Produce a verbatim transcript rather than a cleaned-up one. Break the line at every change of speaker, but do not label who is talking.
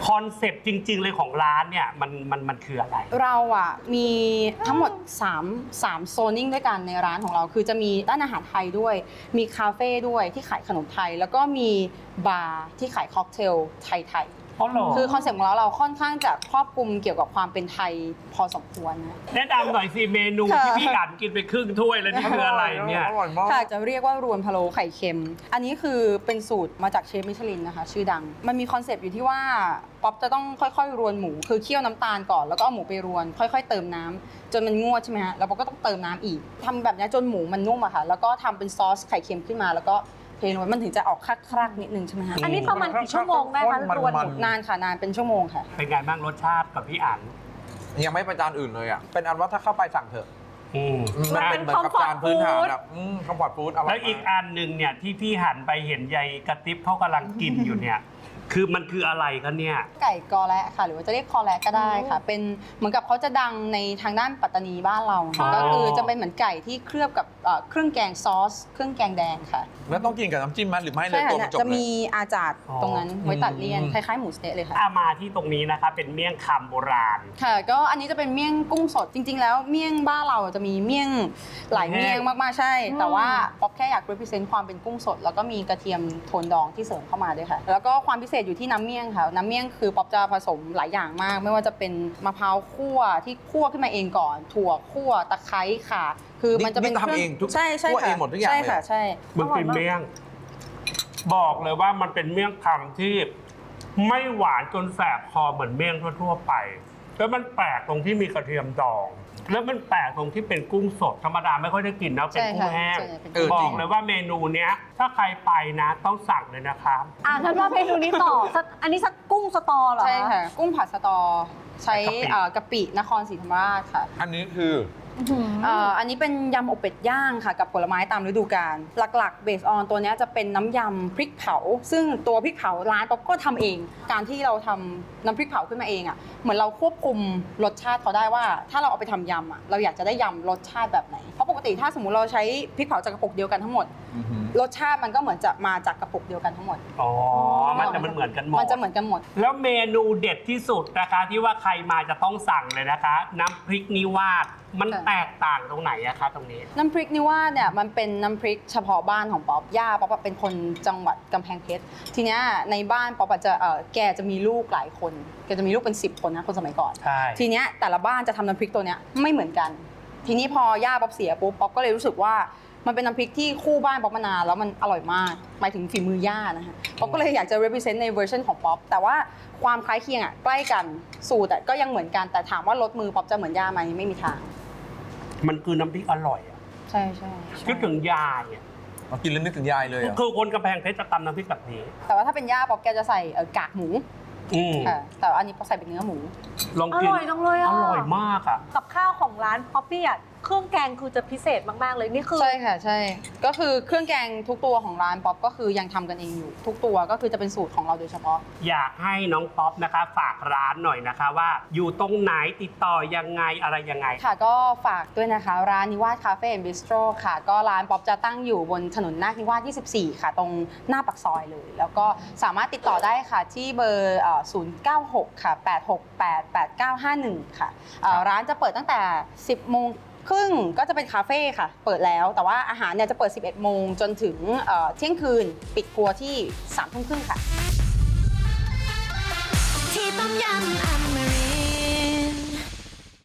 คอนเซปต์จริงๆเลยของร้านเนี่ยมันมันมันคืออะไร
เราอ่ะมีทั้งหมด3 3โซนนิ่งด้วยกันในร้านของเราคือจะมีร้านอาหารไทยด้วยมีคาเฟ่ด้วยที่ขายขนมไทยแล้วก็มีบาร์ที่ขายค็อกเทลไทยๆคือคอนเซ็ปต์ของเราเราค่อนข้างจะครอบคลุมเกี่ยวกับความเป็นไทยพอสมควรนะ
แนะนำหน่อยสิเมนูที่พี่อ่านกินไปครึ่งถ้วยแล้วนี่คืออะไรเนี่ย
อร่อยมาก
ค่ะจะเรียกว่ารวนพะโล้ไข่เค็มอันนี้คือเป็นสูตรมาจากเชฟมิชลินนะคะชื่อดังมันมีคอนเซปต์อยู่ที่ว่าป๊อปจะต้องค่อยๆรวนหมูคือเคี่ยวน้ำตาลก่อนแล้วก็เอาหมูไปรวนค่อยๆเติมน้ำจนมันงวดใช่ไหมฮะแล้วป๊อปก็ต้องเติมน้ำอีกทำแบบนี้จนหมูมันนุ่มอะค่ะแล้วก็ทำเป็นซอสไข่เค็มขึ้นมาแล้วก็เทลงไปมันถึงจะออกคลักๆนิดนึงใช่ไหมฮะ
อันนี้ประมาณกี่ชั่วโมงได้คะรวนหมู
นานค่ะนานเป็นชั่วโมงค่ะ
เป็นไงบ้างรสชาติกับพี่อ่าน
ยังไม่ประจานอื่นเลยอ่ะเป็นอันว่าถ้าเข้าไปสั่งเถอะ
มันเป็นคอมฟอร์ตฟู้ด
คอมฟอร์ตฟู้ดอร่อย
แล้วอีกอันหนึ่งเนี่ยที่พี่หันไปเห็นยายกระติบเขากำลังกินอยู่เนี่ยคือมันคืออะไรกันเนี่ย
ไก่กอแระค่ะหรือว่าจะเรียกคอแระก็ได้ค่ะเป็นเหมือนกับเขาจะดังในทางด้านปัตตานีบ้านเราก็คือจะเป็นเหมือนไก่ที่เคลือบกับเครื่องแกงซอสเครื่องแกงแดงค่ะ
แล้วต้องกินกับน้ำจิ้มมั้ยหรือไม่เลยตัวมันจบเลย
จะมีอาจารย์ตรงนั้นไว้ตัดเลี่ยนคล้ายๆหมูสเต๊ะเลยค่ะ
มาที่ตรงนี้นะคะเป็นเมี่ยงคำโบราณ
ค่ะก็อันนี้จะเป็นเมี่ยงกุ้งสดจริงๆแล้วเมี่ยงบ้านเราจะมีเมี่ยงหลายเมี่ยงมากๆใช่แต่ว่าป๊อปแค่อยาก represent ความเป็นกุ้งสดแล้วก็มีกระเทียมโทนดองที่เสริมเข้ามาด้วยค่ะแล้วก็ความพิเศษอยู่ที่น้ำเมี่ยงค่ะน้ำเมี่ยงคือป๊อปจะผสมหลายอย่างมากไม่ว่าจะเป็นมะพร้าวคั่วที่คั่วขึ้นมาเองก่อนถั่วคั่วตะไคร้ค่ะคือมันจะเป็น
ทำเองทุก
ใช่ใช่
ค่ะเองหมดทุกอย่าง
ใช่ค่ะใช่
มันเป็นเมี่ยงบอกเลยว่ามันเป็นเมี่ยงคำที่ไม่หวานจนแสบคอเหมือนเมี่ยงทั่วๆไปแล้วมันแปลกตรงที่มีกระเทียมดองแล้วมันแปลกตรงที่เป็นกุ้งสดธรรมดาไม่ค่อยได้กินนะเป็นกุ้งแห้งบอกเลยว่าเมนูเนี้ยถ้าใครไปนะต้องสั่งเลยนะครับ
อ่ะงั้นว่าเมนูนี้ต่ออันนี้สักกุ้งสตอเหรอ
ใช่ค่ะกุ้งผัดสตอใช้กะปินครศรีธรรมราชค่ะ
อันนี้คือ
อันนี้เป็นยำอบเป็ดย่างค่ะกับผลไม้ตามฤดูกาลหลักๆเบสออนตัวนี้จะเป็นน้ำยำพริกเผาซึ่งตัวพริกเผาร้านป๊อปก็ทำเองการที่เราทำน้ำพริกเผาขึ้นมาเองอ่ะเหมือนเราควบคุมรสชาติเขาได้ว่าถ้าเราเอาไปทำยำอ่ะเราอยากจะได้ยำรสชาติแบบไหนเพราะปกติถ้าสมมุติเราใช้พริกเผาจากกระปุกเดียวกันทั้งหมดรสชาติมันก็เหมือนจะมาจากกระปุกเดียวกันทั้งหมด
อ๋อมันจะมันเหมือนกันหมด
มันจะเหมือนกันหมด
แล้วเมนูเด็ดที่สุดนะคะที่ว่าใครมาจะต้องสั่งเลยนะคะน้ำพริกนิวาสมันแตกต่างตรงไหนอะคะตรงนี้
น้ำพริกนิวาสเนี่ยมันเป็นน้ำพริกเฉพาะบ้านของป๊อปย่าป๊อปเป็นคนจังหวัดกำแพงเพชรทีเนี้ยในบ้านป๊อปจะเออแกจะมีลูกหลายคนแกจะมีลูกเป็นสิบคนนะคนสมัยก่อนทีเนี้ยแต่ละบ้านจะทำน้ำพริกตัวเนี้ยไม่เหมือนกันทีนี้พอย่าป๊อปเสียปุ๊บป๊อปก็เลยรู้สึกว่ามันเป็นน้ำพริกที่คู่บ้านป๊อปมานานแล้วมันอร่อยมากหมายถึงฝีมือย่านะคะป๊อปก็เลยอยากจะ represent ในเวอร์ชันของป๊อปแต่ว่าความคล้ายเคียงอ่ะใกล้กันสูตรก็ยังเหมือนกันแต่ถามว่ารสมือป๊อปจะเหมือนย่าไหมไม่มีทาง
มันคือน้ำพริกอร่อยอ่ะ
ใช่ใช่
คิดถึงยายอ่ะ
กินแล้วนึกถึงยายเลย
คือคนกำแพงเพชรจะตำน้ำพริกแบบนี้
แต่ว่าถ้าเป็นย่าป๊อปแกจะใส่กากหมูค่ะแต่อันนี้ป๊อปใส่เป็นเนื้อหมู
ลองกิน
อร่อยจังเลยอ่ะ
อร่อยมากอ่ะ
กับข้าวของร้านป๊อปปี้อ่ะเครื่องแกงคือจะพิเศษมากๆเลยนี่คือ
ใช่ค่ะใช่ก็คือเครื่องแกงทุกตัวของร้านป๊อปก็คือยังทำกันเองอยู่ทุกตัวก็คือจะเป็นสูตรของเราโดยเฉพาะ
อยากให้น้องป๊อปนะคะฝากร้านหน่อยนะคะว่าอยู่ตรงไหนติดต่อยังไงอะไรยังไง
ค่ะก็ฝากด้วยนะคะร้านนิวาสคาเฟ่แอนด์บิสโตรค่ะก็ร้านป๊อปจะตั้งอยู่บนถนนนาคนิวาสยี่สิบสี่ค่ะตรงหน้าปากซอยเลยแล้วก็สามารถติดต่อได้ค่ะที่เบอร์ศูนย์ เก้า หกค่ะแปด หก แปด แปด เก้า ห้า หนึ่งค่ะร้านจะเปิดตั้งแต่สิบโมงครึ่งก็จะเป็นคาเฟ่ค่ะเปิดแล้วแต่ว่าอาหารเนี่ยจะเปิดสิบเอ็ดโมงจนถึงเที่ยงคืนปิดครัวที่สามทุ่มครึ่งค่ะที่ต้มยำ